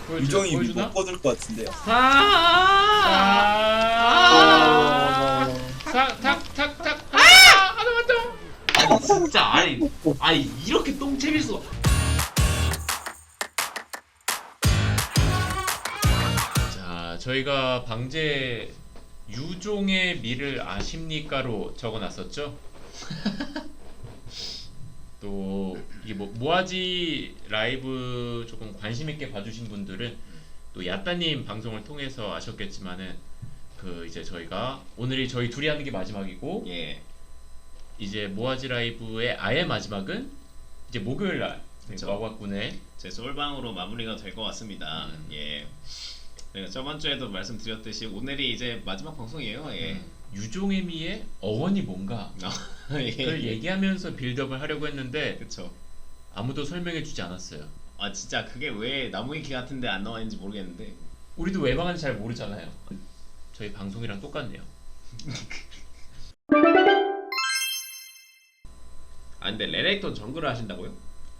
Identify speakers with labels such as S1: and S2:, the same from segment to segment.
S1: 유정이
S2: 보여주나?
S1: 못 꺼줄 것 같은데요.
S2: 탁탁탁탁 하나만 더.
S3: 아니 진짜 아니 이렇게 똥채일 수가.
S2: 자, 저희가 방제 유종의 미를 아십니까로 적어놨었죠. 또 이게 뭐 모아지 라이브 조금 관심 있게 봐주신 분들은 또 야따님 방송을 통해서 아셨겠지만은 그 이제 저희가 오늘이 저희 둘이 하는 게 마지막이고
S3: 예.
S2: 이제 모아지 라이브의 아예 마지막은 이제 목요일 날
S3: 그쵸.
S2: 와과군의
S3: 제 솔방으로 마무리가 될 것 같습니다. 예. 그리고 저번 주에도 말씀드렸듯이 오늘이 이제 마지막 방송이에요. 예.
S2: 유종의 미의 어원이 뭔가
S3: 예.
S2: 그걸 얘기하면서 빌드업을 하려고 했는데
S3: 그쵸.
S2: 아무도 설명해주지 않았어요.
S3: 아 진짜 그게 왜 나무위키 같은데 안 나와 있는지 모르겠는데.
S2: 우리도 왜 망하는지 잘 모르잖아요. 저희 방송이랑 똑같네요.
S3: 아 근데 레넥톤 정글을 하신다고요?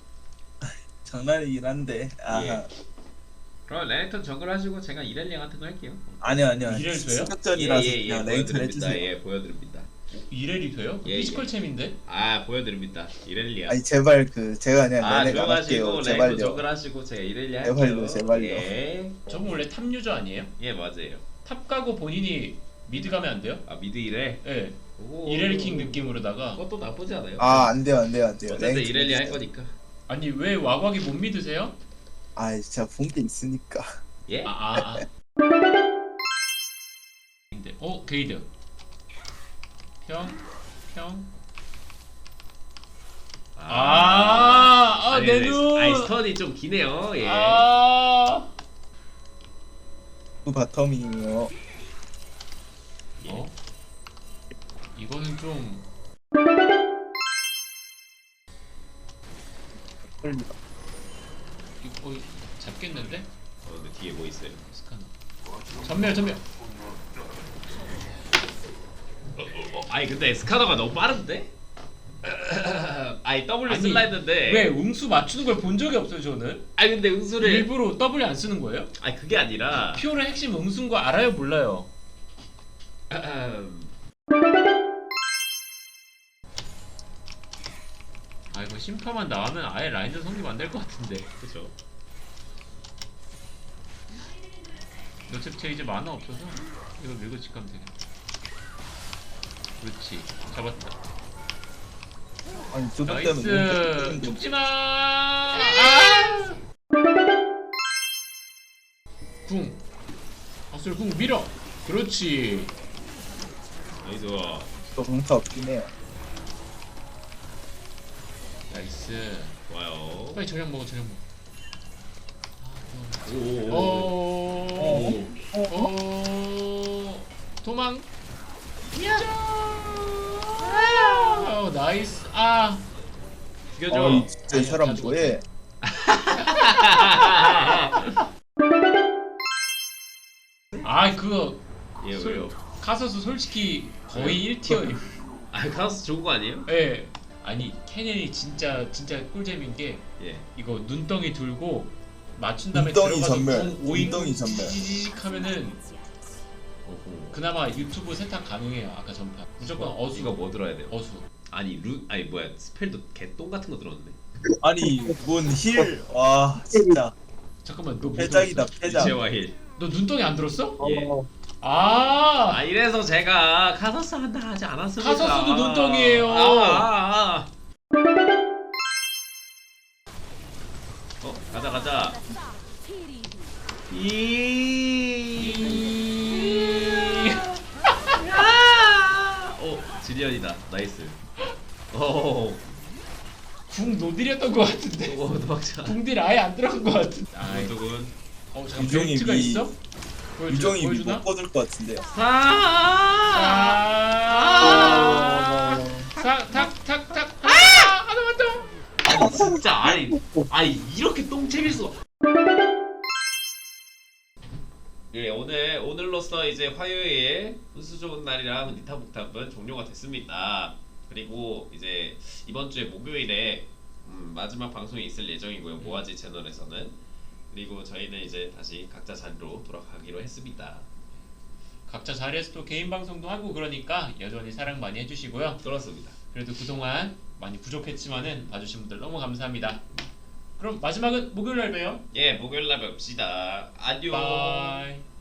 S1: 장난이긴 한데. 아,
S3: 예. 그럼 레넥톤 정글 하시고 제가 이렐리아 같은 거 할게요.
S1: 아니요.
S2: 이래도 돼요?
S1: 승격전이라서 그냥 랭크를
S3: 보여드립니다.
S1: 해주세요.
S3: 예, 보여드립니다.
S2: 이렐이 돼요?
S3: 예,
S2: 피지컬 챔인데?
S3: 아 보여드립니다. 이렐리아.
S1: 아니 제발 제가 그냥
S3: 아
S1: 내가 할게요.
S3: 들어가시고 레넥톤
S1: 제발요.
S3: 정글 하시고 제가 이렐리아 할게요.
S1: 제발요, 제발요.
S3: 예.
S2: 저분 원래 탑 유저 아니에요?
S3: 예 맞아요.
S2: 탑 가고 본인이 미드 가면 안 돼요?
S3: 아 미드 이렐.
S2: 예.
S3: 오.
S2: 이렐 킹 느낌으로다가
S3: 그것도 나쁘지 않아요.
S1: 안 돼요.
S3: 어쨌든
S1: 랭크
S3: 이렐리아 할
S1: 해주세요.
S3: 거니까.
S2: 아니 왜 와곽이 못 믿으세요?
S1: 아, 제가 본 게 있으니까.
S3: 예?
S2: 근데 게이드 평
S3: 아니,
S2: 내 눈!
S3: 아이 스턴이 좀 기네요. 예.
S1: 그 바텀이요.
S3: 예.
S2: 이거는 좀
S1: 끌리다.
S2: 이거 잡겠는데?
S3: 근데 뒤에 뭐 있어요?
S2: 스카너 전멸
S3: 아니 근데 스카너가 너무 빠른데? 아니 W
S2: 아니,
S3: 쓸라 했는데
S2: 왜 음수 맞추는 걸 본 적이 없어요 저는?
S3: 아니 근데 응수를
S2: 일부러 W 안 쓰는 거예요?
S3: 아니 그게 아니라
S2: 피오의 핵심 응수인 거 알아요 몰라요? 이거 심파만 나오면 아예 라인전 성립 안 될 것 같은데.
S3: 그죠.
S2: 어차피 쟤 이제 만화 없어서 이거 밀고 집 가면 되겠다. 그렇지 잡았다.
S1: 아니 저것
S2: 나이스
S1: 때문에
S2: 죽지마. 궁 아술 궁 밀어. 그렇지.
S3: 나이스.
S1: 또 강타 없긴 해요.
S2: 나이스.
S3: 좋아요.
S2: 빨리 저녁 먹어.
S3: 오오오.
S2: 도망. 나이스.
S3: 죽여줘.
S1: 진짜 이 사람 뭐해?
S2: 그거
S3: 예 왜요?
S2: 카서스 솔직히 거의 1티어.
S3: 아 카우스 좋은 거 아니에요?
S2: 예. 아니 캐년이 진짜 꿀잼인 게
S3: 예.
S2: 이거 눈덩이 들고 맞춘 다음에
S1: 눈덩이
S2: 들어가서
S1: 전멸,
S2: 오잉
S1: 눈덩이 전멸.
S2: 지지직 하면은 그나마 유튜브 세탁 가능해요. 아까 전판 무조건 어수.
S3: 이거 뭐 들어야 돼요?
S2: 어수.
S3: 아니 아니 뭐야 스펠도 개똥 같은 거 들었는데.
S1: 아니 뭔 힐? 와 진짜
S2: 잠깐만 너 뭐
S1: 패작이다
S2: 들었어?
S1: 패작.
S3: 이체와 힐.
S2: 너 눈덩이 안 들었어?
S3: 예.
S2: 아
S3: 이래서 제가 카서스 한다 하지 않았습니까?
S2: 카서스도 눈덩이에요.
S3: 가자. 지리언이다. 나이스.
S2: 궁 노딜이었던 것 같은데.
S3: 도망쳐.
S2: 궁딜 아예 안 들어간 것 같은데.
S3: 누군?
S2: 잠깐
S1: 유종이
S2: 벨트가
S1: 미-
S2: 있어?
S1: 유정이
S2: 보여주나?
S1: 못 꺼줄 것 같은데요.
S2: 탁탁탁탁 하나만 더.
S3: 아니 진짜 아니 이렇게 똥채일 수가. 예 오늘로써 이제 화요일 훈수 좋은 날이랑 니타북탑은 종료가 됐습니다. 그리고 이제 이번 주에 목요일에 마지막 방송이 있을 예정이고요. 모아지 채널에서는. 그리고 저희는 이제 다시 각자 자리로 돌아가기로 했습니다.
S2: 각자 자리에서 또 개인 방송도 하고 그러니까 여전히 사랑 많이 해주시고요.
S3: 그렇습니다.
S2: 그래도 그동안 많이 부족했지만은 봐주신 분들 너무 감사합니다. 그럼 마지막은 목요일 날 봬요.
S3: 예, 목요일 날 뵙시다. 안녕.
S2: 바이.